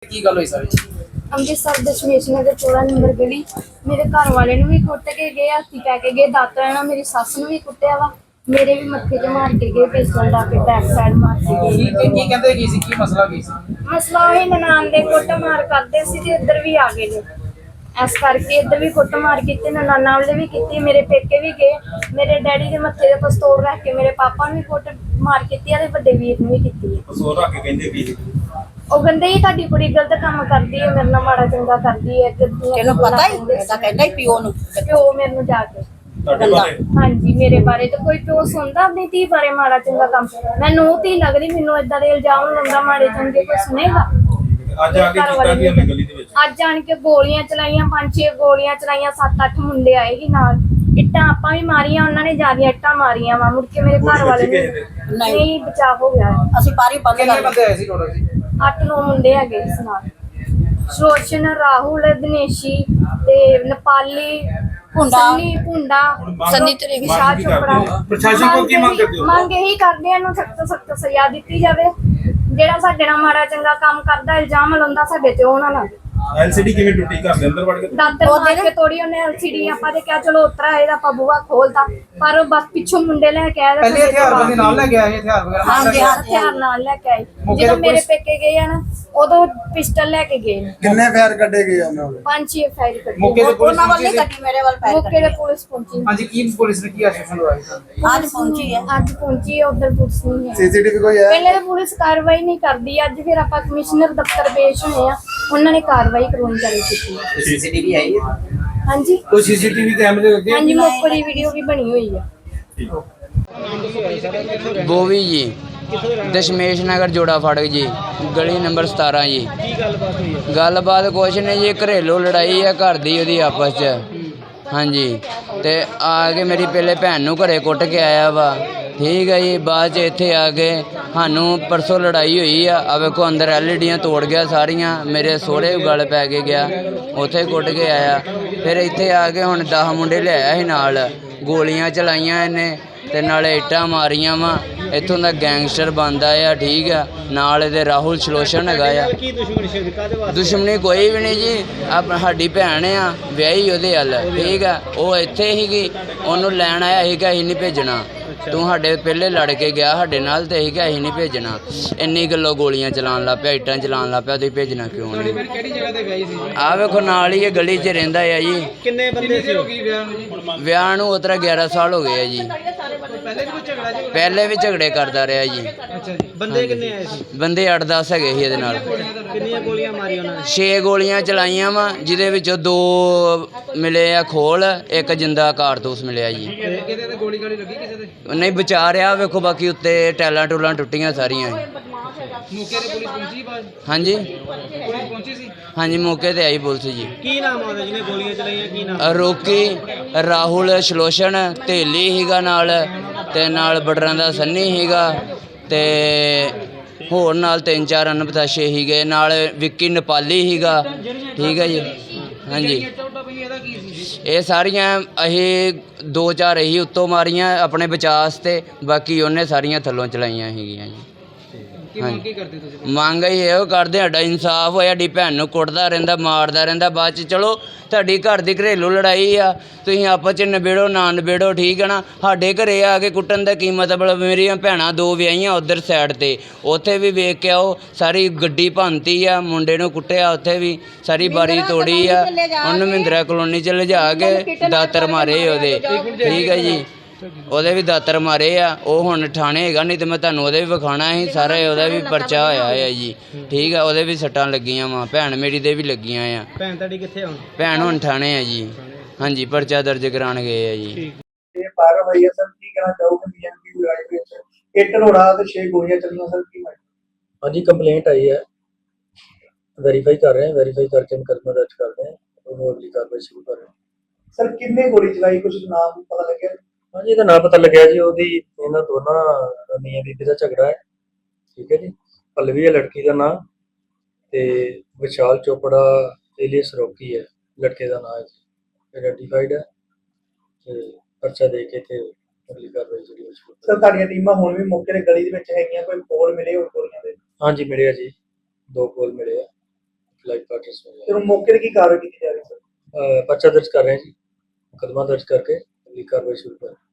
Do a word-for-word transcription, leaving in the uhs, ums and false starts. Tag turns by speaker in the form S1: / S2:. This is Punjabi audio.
S1: ਕੀ ਗੱਲ ਹੋਈ ਸਾਰੀ?
S2: ਅੰਮ੍ਰਿਤਸਰ ਦਸ਼ਮੇਸ਼ ਨਗਰ ਚੌੜਾ ਨੰਬਰ ਗਲੀ ਮੇਰੇ ਘਰ ਵਾਲੇ ਨੂੰ ਵੀ ਕੁੱਟ ਕੇ ਗਏ, ਹੱਥੀ ਪੈ ਕੇ ਗਏ, ਦਾਤਰਾ ਨਾਲ ਮੇਰੀ ਸੱਸ ਨੂੰ ਵੀ ਕੁੱਟਿਆ ਵਾ, ਮੇਰੇ ਵੀ ਮੱਥੇ 'ਚ ਮਾਰ ਕੇ ਗਏ, ਪਿਸਟਲ ਲਾ ਕੇ ਬੈਕ ਸਾਈਡ ਮਾਰ ਕੇ ਗਏ।
S1: ਕੀ ਕੀ ਕੀ ਕਹਿੰਦੇ ਕੀ ਸੀ, ਕੀ ਮਸਲਾ ਕੀ ਸੀ?
S2: ਮਸਲਾ ਉਹੀ ਨਨਾਣ ਦੇ ਕੁੱਟ ਮਾਰ ਕਰਦੇ ਸੀ ਤੇ ਇੱਧਰ ਵੀ ਆ ਗਏ ਨੇ, ਇਸ ਕਰਕੇ ਇੱਧਰ ਵੀ ਕੁੱਟ ਮਾਰ ਕੀਤੀ, ਨਨਾਣਾ ਵਾਲੇ ਵੀ ਕੀਤੀ, ਮੇਰੇ ਪੇਕੇ ਵੀ ਗਏ, ਮੇਰੇ ਡੈਡੀ ਦੇ ਮੱਥੇ 'ਤੇ ਪਿਸਤੌਲ ਰੱਖ ਕੇ ਮੇਰੇ ਪਾਪਾ ਨੂੰ ਵੀ ਕੁੱਟ ਮਾਰ ਕੀਤੀ ਆ ਤੇ ਵੱਡੇ ਵੀਰ ਨੂੰ ਵੀ ਕੀਤੀ ਹੈ।
S3: ਪਿਸਤੌਲ ਰੱਖ ਕੇ ਕਹਿੰਦੇ ਕੀ?
S2: ਉਹ ਕਹਿੰਦੇ ਹੀ ਤੁਹਾਡੀ ਕੁੜੀ ਗਲਤ ਕੰਮ ਕਰਦੀ ਹੈ, ਮੇਰੇ ਨਾਲ ਮਾੜਾ ਚੰਗਾ ਕਰਦੀ ਹੈ।
S4: ਤੈਨੂੰ ਪਤਾ ਹੀ ਤਾਂ ਕਹਿੰਦਾ ਹੀ ਪਿਓ ਨੂੰ,
S2: ਪਿਓ ਮੇਰੇ ਨੂੰ ਜਾ ਕੇ
S3: ਤੁਹਾਡੇ ਬਾਰੇ?
S2: ਹਾਂਜੀ, ਮੇਰੇ ਬਾਰੇ ਤਾਂ ਕੋਈ ਪਿਓ ਸੁਣਦਾ ਆਪਣੀ ਧੀ ਬਾਰੇ ਮਾੜਾ ਚੰਗਾ ਕੰਮ? ਮੈਂ ਨੂੰਹ ਧੀ ਲੱਗਦੀ, ਮੈਨੂੰ ਏਦਾਂ ਦੇ ਇਲਜ਼ਾਮ ਲਾਉਂਦਾ ਮਾੜੇ ਚੰਗੇ, ਕੋਈ ਸੁਣੇਗਾ?
S3: ਅੱਜ ਆ ਕੇ ਕੀਤਾ ਕੀ ਉਹਨੇ ਗਲੀ ਦੇ ਵਿੱਚ?
S2: ਅੱਜ ਆਣ ਕੇ ਗੋਲੀਆਂ ਚਲਾਈਆਂ, ਪੰਜ ਛੇ ਗੋਲੀਆਂ ਚਲਾਈਆਂ, ਸੱਤ ਅੱਠ ਮੁੰਡੇ ਆਏ ਸੀ ਨਾਲ, ਇੱਟਾਂ ਆਪਾਂ ਵੀ ਮਾਰੀਆਂ, ਉਹਨਾਂ ਨੇ ਜ਼ਿਆਦਾ ਇੱਟਾਂ ਮਾਰੀਆਂ ਵਾ। ਮੁੜ ਕੇ ਮੇਰੇ ਘਰ ਵਾਲੇ ਨੂੰ ਨਹੀਂ ਬਚਾਅ ਹੋ ਗਿਆ।
S4: ਅਸੀਂ ਪਾਰੀ ਬੰਦ
S1: ਕਿੰਨੇ
S4: ਕਰ
S1: ਬੰਦੇ ਆਏ ਸੀ ਟੋਟਲ ਜੀ?
S2: ਅੱਠ ਨੌ ਮੁੰਡੇ ਹੈਗੇ ਇਸ ਨਾਲ, ਸ਼ੋਸ਼ਨ, ਰਾਹੁਲ, ਦਿਨੇਸ਼ੀ ਤੇ ਨੇਪਾਲੀ,
S4: ਭੁੰਡਾ,
S2: ਸੰਨੀ ਭੁੰਡਾ,
S4: ਸੰਨੀ ਤੇਰੇ
S2: ਵਿਸ਼ਾਲ ਚੋਪੜਾ।
S3: ਪ੍ਰਸ਼ਾਸਨ ਕੋਲ ਕੀ ਮੰਗ ਕਰਦੇ ਹੋ?
S2: ਮੰਗ ਇਹੀ ਕਰਦੇ ਆ, ਇਹਨੂੰ ਸਖਤ ਸਖਤ ਸਜ਼ਾ ਦਿੱਤੀ ਜਾਵੇ। ਜਿਹੜਾ ਸਾਡੇ ਨਾਲ ਮਾੜਾ ਚੰਗਾ ਕੰਮ ਕਰਦਾ, ਇਲਜ਼ਾਮ ਲਾਉਂਦਾ ਸਾਡੇ ਤੇ, ਉਹ ਨਾ ਲਾਵੇ।
S3: ਐਲਸੀਡੀ ਕਿਵੇਂ ਟੁੱਟੀ? ਘਰ ਦੇ ਅੰਦਰ ਵੜ ਕੇ?
S2: ਦਾਤਰ ਮਾਰ ਕੇ ਤੋੜੀ ਉਹਨੇ ਐਲਸੀਡੀ। ਆਪਾਂ ਤੇ ਕਿਹਾ ਚਲੋ ਉਤਰਾ ਇਹਦਾ ਆਪਾਂ ਬੂਹਾ ਖੋਲਤਾ, ਪਰ ਉਹ ਬਸ ਪਿੱਛੋਂ ਮੁੰਡੇ ਲੈ ਕੇ ਆਏ।
S1: ਪਹਿਲੇ ਹਥਿਆਰ ਦੇ ਨਾਲ ਲੈ ਕੇ ਆਏ, ਹਥਿਆਰ ਵਗੈਰਾ ਨਾਲ ਲੈ ਕੇ ਆਏ?
S2: ਹਥਿਆਰ ਨਾਲ ਲੈ ਕੇ ਆਏ।
S1: ਮੌਕੇ
S2: ਜਦੋਂ
S1: ਤੇ
S2: ਮੇਰੇ
S1: ਪੁਲਿਸ-
S2: ਪੇਕੇ ਗਏ ਆ ਨਾ, ਉਦੋਂ ਪਿਸਟਲ ਲੈ ਕੇ ਗਏ ਨੇ।
S5: ਕਿੰਨੇ ਫਾਇਰ ਕੱਢੇ ਗਏ ਉਹਨਾਂ ਦੇ?
S2: ਪੰਜ ਛੇ ਫਾਇਰ ਕੱਢੇ।
S1: ਮੌਕੇ ਤੇ ਪੁਲਿਸ
S4: ਉਹਨਾਂ ਵੱਲ
S1: ਪਹੁੰਚੀ
S4: ਨਹੀਂ
S1: ਸੀ?
S4: ਕੱਢੀ, ਮੇਰੇ ਵੱਲ ਪੈਰ
S2: ਮੌਕੇ ਤੇ ਪੁਲਿਸ ਪਹੁੰਚੀ।
S1: ਹਾਂਜੀ, ਕੀ ਪੁਲਿਸ ਨੇ ਕੀ ਆਸ਼ਵਾਸਨ ਦਵਾਇਆ ਤੁਹਾਨੂੰ?
S4: ਅੱਜ ਪਹੁੰਚੀ ਹੈ।
S2: ਅੱਜ ਪਹੁੰਚੀ ਹੈ, ਉਧਰ ਪੁਲਿਸ ਨਹੀਂ ਹੈ।
S5: ਸੀਸੀਟੀਵੀ ਕੋਈ ਹੈ?
S2: ਪਹਿਲੇ ਤਾਂ ਪੁਲਿਸ ਕਾਰਵਾਈ ਨਹੀਂ ਕਰਦੀ, ਅੱਜ ਫਿਰ ਆਪਾਂ ਕਮਿਸ਼ਨਰ ਦਫ਼ਤਰ ਪੇਸ਼ ਹੋਏ ਆ, ਉਹਨਾਂ ਨੇ ਕਾਰਵਾਈ ਕਰਵਾਉਣੀ ਚਾਲੂ ਕੀਤੀ ਹੈ।
S1: ਸੀਸੀਟੀਵੀ ਆਈ ਹੈ?
S2: ਹਾਂਜੀ
S1: ਕੋਈ ਸੀਸੀਟੀਵੀ ਕੈਮਰੇ ਲੱਗੇ?
S2: ਹਾਂਜੀ, ਮੌਕੇ ਦੀ ਵੀਡੀਓ ਵੀ ਬਣੀ ਹੋਈ ਆ।
S6: ਬੋਵੀ ਜੀ, ਦਸ਼ਮੇਸ਼ ਨਗਰ ਜੋੜਾ ਫਾਟਕ ਜੀ, ਗਲੀ ਨੰਬਰ ਸਤਾਰਾਂ ਜੀ।
S1: ਕੀ ਗੱਲਬਾਤ ਹੋਈ ਹੈ?
S6: ਗੱਲਬਾਤ ਕੁਛ ਨਹੀਂ ਜੀ, ਘਰੇਲੂ ਲੜਾਈ ਹੈ ਘਰ ਦੀ ਉਹਦੀ ਆਪਸ 'ਚ। ਹਾਂਜੀ, ਤੇ ਆ ਕੇ ਮੇਰੀ ਪਹਿਲੇ ਭੈਣ ਨੂੰ ਘਰੇ ਕੁੱਟ ਕੇ ਆਇਆ ਵਾ, ਠੀਕ ਹੈ ਜੀ। ਬਾਅਦ 'ਚ ਇੱਥੇ ਆ ਕੇ ਸਾਨੂੰ ਪਰਸੋਂ ਲੜਾਈ ਹੋਈ ਆ, ਆ ਵੇਖੋ ਅੰਦਰ ਐਲ ਈ ਡੀਆਂ ਤੋੜ ਗਿਆ ਸਾਰੀਆਂ, ਮੇਰੇ ਸਹੁਰੇ ਗਲ ਪੈ ਕੇ ਗਿਆ, ਉੱਥੇ ਕੁੱਟ ਕੇ ਆਇਆ। ਫਿਰ ਇੱਥੇ ਆ ਕੇ ਹੁਣ ਦਸ ਮੁੰਡੇ ਲਿਆਇਆ ਸੀ ਨਾਲ, ਗੋਲੀਆਂ ਚਲਾਈਆਂ ਇਹਨੇ ਤੇ ਨਾਲੇ ਇੱਟਾਂ ਮਾਰੀਆਂ ਵਾ। ਇੱਥੋਂ ਦਾ ਗੈਂਗਸਟਰ ਬਣਦਾ ਆ, ਠੀਕ ਆ। ਨਾਲ ਇਹਦੇ ਰਾਹੁਲ ਸ਼ਲੋਸ਼ਨ ਹੈਗਾ ਆ।
S1: ਕੀ ਦੁਸ਼ਮਣੀ ਸੀ? ਕਾਹਦੇ ਵਾਸਤੇ?
S6: ਦੁਸ਼ਮਣੀ ਕੋਈ ਵੀ ਨਹੀਂ ਜੀ, ਆਪ ਸਾਡੀ ਭੈਣ ਆ, ਵਿਆਹੀ ਉਹਦੇ ਹੱਲ, ਠੀਕ ਆ। ਉਹ ਇੱਥੇ ਸੀਗੀ, ਉਹਨੂੰ ਲੈਣ ਆਇਆ ਸੀਗਾ, ਅਸੀਂ ਨਹੀਂ ਭੇਜਣਾ, ਤੂੰ ਸਾਡੇ ਪਹਿਲੇ ਲੜ ਕੇ ਗਿਆ ਸਾਡੇ ਨਾਲ, ਤੇ ਅਸੀਂ ਕਿਹਾ ਅਸੀਂ ਨਹੀਂ ਭੇਜਣਾ। ਇੰਨੀ ਗੱਲੋਂ ਗੋਲੀਆਂ ਚਲਾਉਣ ਲੱਗ ਪਿਆ, ਇੱਟਾਂ ਚਲਾਉਣ ਲੱਗ ਪਿਆ, ਤੁਸੀਂ ਭੇਜਣਾ ਕਿਉਂ ਨਹੀਂ?
S1: ਕਿਹੜੀ ਜਗ੍ਹਾ ਤੇ ਵਿਆਹੀ ਸੀ?
S6: ਆਹ ਵੇਖੋ ਨਾਲ ਹੀ ਇਹ ਗਲੀ 'ਚ ਰਹਿੰਦਾ ਆ ਜੀ।
S1: ਕਿੰਨੇ ਬੰਦੇ ਸੀ? ਹੋ ਗਈ ਵਿਆਹ ਨੂੰ ਜੀ?
S6: ਵਿਆਹ ਨੂੰ ਉਤਰਾ ਗਿਆਰਾਂ ਸਾਲ ਹੋ ਗਏ ਆ ਜੀ।
S1: ਪਹਿਲੇ ਵੀ ਕੋਈ ਝਗੜਾ ਜੀ?
S6: ਪਹਿਲੇ ਵੀ ਝਗੜੇ ਕਰਦਾ ਰਿਹਾ ਜੀ।
S1: ਅੱਛਾ ਜੀ, ਬੰਦੇ ਕਿੰਨੇ ਆਏ ਸੀ?
S6: ਬੰਦੇ ਅੱਠ ਦਸ ਹੈਗੇ ਸੀ ਇਹਦੇ ਨਾਲ।
S1: ਕਿੰਨੀਆਂ ਗੋਲੀਆਂ ਮਾਰੀਆਂ ਉਹਨਾਂ ਨੇ?
S6: ਛੇ ਗੋਲੀਆਂ ਚਲਾਈਆਂ ਵਾ, ਜਿਹਦੇ ਵਿੱਚੋਂ ਦੋ ਮਿਲੇ ਆ ਖੋਲ, ਇੱਕ ਜਿੰਦਾ ਕਾਰਤੂਸ ਮਿਲਿਆ ਜੀ।
S1: ਕਿਤੇ ਤੇ ਗੋਲੀ ਗਾਲੀ ਲੱਗੀ ਕਿਸੇ ਦੇ?
S6: ਨਹੀਂ ਬਚਾ ਰਿਹਾ ਵੇਖੋ, ਬਾਕੀ ਉੱਤੇ ਟੈਲਾਂ ਟੂਲਾਂ ਟੁੱਟੀਆਂ ਸਾਰੀਆਂ।
S1: ਮੌਕੇ ਤੇ ਪੁਲਿਸ ਪਹੁੰਚੀ? ਬਾਅਦ
S6: ਹਾਂਜੀ
S1: ਪੁਲਿਸ ਪਹੁੰਚੀ ਸੀ?
S6: ਹਾਂਜੀ, ਮੌਕੇ ਤੇ ਆਈ ਪੁਲਿਸ ਜੀ।
S1: ਕੀ ਨਾਮ ਆਉਂਦਾ ਜਿਹਨੇ ਗੋਲੀਆਂ ਚਲਾਈਆਂ? ਕੀ ਨਾਮ?
S6: ਰੋਕੀ, ਰਾਹੁਲ ਸ਼ਲੋਸ਼ਨ, ਧੇਲੀ ਸੀਗਾ ਨਾਲ, ਤੇ ਨਾਲ ਬਟਰਾਂ ਦਾ ਸੰਨੀ ਸੀਗਾ, ਤੇ ਹੋਰ ਨਾਲ ਤਿੰਨ ਚਾਰ ਅਨਪਤਾਸ਼ੇ ਸੀਗੇ, ਨਾਲ ਵਿੱਕੀ ਨੇਪਾਲੀ ਸੀਗਾ, ਠੀਕ ਹੈ ਜੀ। ਹਾਂਜੀ, ਇਹ ਸਾਰੀਆਂ ਅਸੀਂ ਦੋ ਚਾਰ ਅਸੀਂ ਉੱਤੋਂ ਮਾਰੀਆਂ ਆਪਣੇ ਬਚਾਅ ਵਾਸਤੇ, ਬਾਕੀ ਉਹਨੇ ਸਾਰੀਆਂ ਥੱਲੋਂ ਚਲਾਈਆਂ ਸੀਗੀਆਂ ਜੀ।
S1: ਕੀ ਮੰਗ ਕੀ ਕਰਦੇ ਤੁਸੀਂ?
S6: ਮੰਗ ਅਸੀਂ ਇਹੋ ਕਰਦੇ, ਸਾਡਾ ਇਨਸਾਫ ਹੋਇਆ। ਸਾਡੀ ਭੈਣ ਨੂੰ ਕੁੱਟਦਾ ਰਹਿੰਦਾ, ਮਾਰਦਾ ਰਹਿੰਦਾ, ਬਾਅਦ 'ਚ ਚਲੋ ਤੁਹਾਡੀ ਘਰ ਦੀ ਘਰੇਲੂ ਲੜਾਈ ਆ, ਤੁਸੀਂ ਆਪਸ 'ਚ ਨਿਬੇੜੋ ਨਾ ਨਿਬੇੜੋ, ਠੀਕ ਹੈ ਨਾ। ਸਾਡੇ ਘਰੇ ਆ ਕੇ ਕੁੱਟਣ ਦਾ ਕੀ ਮਤਲਬ? ਮੇਰੀਆਂ ਭੈਣਾਂ ਦੋ ਵਿਆਹੀਆਂ ਉੱਧਰ ਸਾਈਡ 'ਤੇ, ਉੱਥੇ ਵੀ ਵੇਖ ਕੇ ਆਓ, ਸਾਰੀ ਗੱਡੀ ਭੰਨਤੀ ਆ, ਮੁੰਡੇ ਨੂੰ ਕੁੱਟਿਆ ਉੱਥੇ ਵੀ, ਸਾਰੀ ਬਾਰੀ ਤੋੜੀ ਆ। ਉਹਨੂੰ ਮਹਿੰਦਰਾ ਕਲੋਨੀ 'ਚ ਲਿਜਾ ਕੇ ਦਾਤਰ ਮਾਰੇ ਉਹਦੇ, ਠੀਕ ਹੈ ਜੀ। ਉਹਦੇ ਵੀ ਦਾਤਰ ਮਾਰੇ ਆ, ਉਹ ਹੁਣ ਠਾਣੇ ਹੈਗਾ, ਨਹੀਂ ਤੇ ਮੈਂ ਤੁਹਾਨੂੰ ਉਹਦੇ ਵੀ ਵਿਖਾਉਣਾ ਸੀ ਸਾਰਾ। ਉਹਦਾ ਵੀ ਪਰਚਾ ਹੋਇਆ ਹੈ ਜੀ, ਠੀਕ ਆ। ਉਹਦੇ ਵੀ ਸੱਟਾਂ ਲੱਗੀਆਂ ਵਾ, ਭੈਣ ਮੇਰੀ ਦੇ ਵੀ ਲੱਗੀਆਂ ਆ।
S1: ਭੈਣ ਤੁਹਾਡੀ ਕਿੱਥੇ ਹੁਣ?
S6: ਭੈਣ ਹੁਣ ਠਾਣੇ ਆ ਜੀ। ਹਾਂਜੀ, ਪਰਚਾ ਦਰਜ ਕਰਾਉਣ ਗਏ ਆ ਜੀ।
S5: ਇਹ ਪਾਰ ਹੋਈ ਹੈ ਸਰ, ਕੀ ਕਹਿਣਾ ਚਾਹੋਗੇ ਬੀਐਮਪੀ ਲੜਾਈ ਵਿੱਚ ਇੱਟ ਰੋੜਾ ਤੇ ਛੇ ਗੋਲੀਆਂ ਚੱਲੀਆਂ ਸਰ, ਕੀ ਮੈਟਰ?
S7: ਹਾਂਜੀ, ਕੰਪਲੇਂਟ आई है, वेरीफाई कर रहे हैं, वेरीफाई करके मुकदमा दर्ज कर रहे हैं और वो अगली कार्रवाई शुरू कर रहे हैं।
S5: ਸਰ ਕਿੰਨੇ ਗੋਲੀ ਚਲਾਈ, ਕੁਝ ਨਾਮ ਪਤਾ ਲੱਗਿਆ?
S7: हाँ जी, ਇਹਦਾ ਨਾਂ ਪਤਾ ਲੱਗਿਆ ਜੀ, ਉਹਦੀ ਇਹਨਾਂ ਦੋਨਾਂ ਮੀਆਂ ਬੀਬੀ ਦਾ ਝਗੜਾ ਹੈ, ਠੀਕ ਹੈ ਜੀ। ਪਲਵੀ ਹੈ ਲੜਕੀ ਦਾ ਨਾਂ, ਤੇ ਵਿਸ਼ਾਲ ਚੋਪੜਾ ਏਲੀਅਸ ਰੋਕੀ ਹੈ ਲੜਕੇ ਦਾ ਨਾਂ ਹੈ ਜੀ। ਆਈਡੈਂਟੀਫਾਈਡ ਹੈ ਤੇ ਪਰਚਾ ਦੇ ਕੇ ਤੇ ਅਗਲੀ ਕਾਰਵਾਈ ਜਿਹੜੀ ਉਹ ਸ਼ੁਰੂ।
S5: ਸਰ ਤੁਹਾਡੀਆਂ ਟੀਮਾਂ ਹੁਣ ਵੀ ਮੌਕੇ ਤੇ ਗਲੀ ਦੇ ਵਿੱਚ ਹੈਗੀਆਂ, ਕੋਈ ਕੋਲ ਮਿਲੇ ਹੋਰ ਗੋਲੀਆਂ ਦੇ?
S7: ਹਾਂਜੀ ਮਿਲਿਆ ਜੀ, ਦੋ ਕੋਲ ਮਿਲੇ ਆ। ਕੁਆਟਰਸ में
S5: ਫਿਰ ਉਹ ਮੌਕੇ ਤੇ ਕੀ ਕਾਰਵਾਈ ਕੀਤੀ ਜਾ ਰਹੀ ਸਰ?
S7: अ, पर्चा दर्ज कर रहे हैं जी, मुकदमा दर्ज करके अगली कार्रवाई शुरू कर